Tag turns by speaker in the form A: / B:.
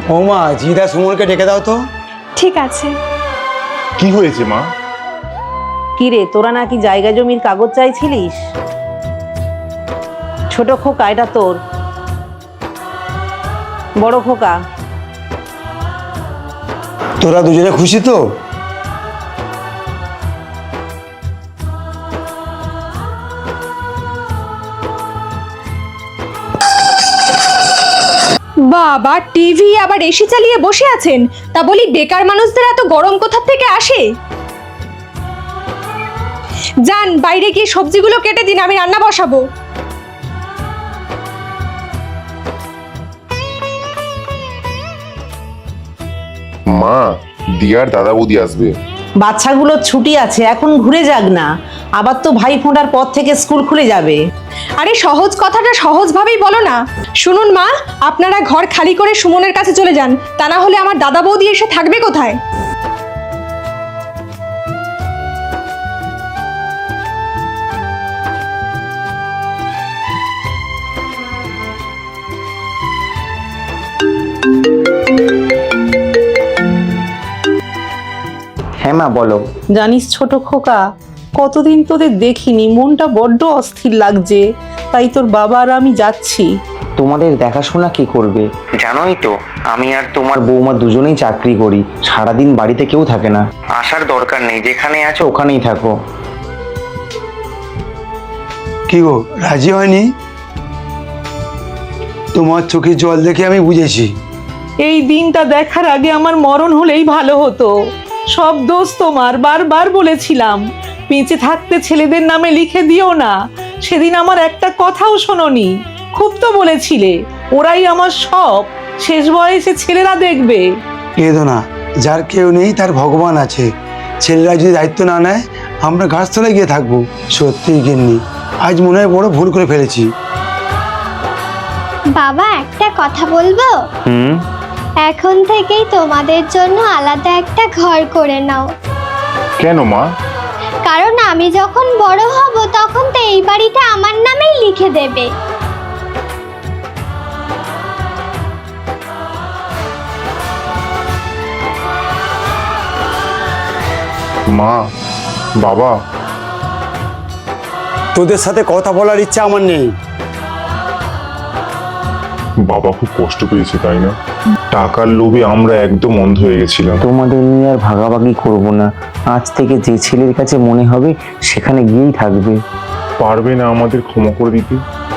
A: ও মা, জিদা সুমনকে ডেকে দাও তো।
B: ঠিক আছে।
C: কি হয়েছে মা?
D: কি রে, তোরা নাকি জায়গা জমির কাগজ চাইছিলিস? ছোট খোকা, এটা তোর। বড় খোকা,
A: তোরা দুজনে খুশি তো?
B: বাবা, টিভি আবার এসি চালিয়ে বসে আছেন, তা বলি বেকার মানুষদের এত গরম কোথা থেকে আসে? যান বাইরে গিয়ে সবজিগুলো কেটে দিন, আমি রান্না বসাবো।
C: মা, দিয়ার দাদা বৌদি আসবে।
D: বাচ্চাগুলোর ছুটি আছে, এখন ঘুরে যাক না। আবার তো ভাই ফোঁটার পর থেকে স্কুল খুলে যাবে।
B: আরে সহজ কথাটা সহজভাবেই বলো না। শুনুন মা, আপনারা ঘর খালি করে সুমনের কাছে চলে যান, তা না হলে আমার দাদা বৌদি এসে থাকবে কোথায়?
E: হ্যাঁ মা, বলো।
D: জানিস ছোট খোকা, কতদিন তোদের দেখিনি, মনটা বড্ড অস্থির লাগছে। তাই তোর বাবা আর আমি যাচ্ছি।
E: তোমাদের দেখাশোনা কে করবে? জানোই তো আমি আর তোমার বৌমা দুজনেই চাকরি করি, সারাদিন বাড়িতে কেউ থাকে না। আসার দরকার নেই, যেখানে আছো ওখানেই থাকো।
A: কি গো, রাজি হয়নি? তোমার চোখে জল দেখে আমি বুঝেছি।
D: এই দিনটা দেখার আগে আমার মরণ হলেই ভালো হতো। সব দোষ তোমার, বারবার বলেছিলাম বেঁচে থাকতে ছেলেদের নামে লিখে দিও না। সেদিন আমার একটা কথাও শোনোনি। খুব তো বলেছিলে ওরাই আমার সব, শেষ বয়সে ছেলেরা দেখবে।
A: কেঁদো না, যার কেউ নেই তার ভগবান আছে। ছেলেরা যদি দায়িত্ব না নেয়, আমরা গাছতলায় গিয়ে থাকবো। সত্যিই গিন্নি, আজ মনে হয় বড় ভুল করে ফেলেছি।
F: বাবা, একটা কথা বলবো? এখন থেকেই তোমাদের জন্য আলাদা একটা ঘর করে নাও।
C: কেন মা?
F: কারণ আমি যখন বড় হব তখন তো এই বাড়িটা আমার নামেই লিখে দেবে।
C: মা, বাবা,
A: তোদের সাথে কথা বলার ইচ্ছা আমার নেই।
C: বাবা খুব কষ্ট পেয়েছে তাই না? টাকার লোভে আমরা একদম অন্ধ হয়ে গেছিলাম।
E: তোমাদের নিয়ে আর ভাগাভাগি করব না। আজ থেকে যে ছেলের কাছে মনে হবে সেখানে গিয়েই থাকবে।
C: পারবে না আমাদের ক্ষমা করে দিতে?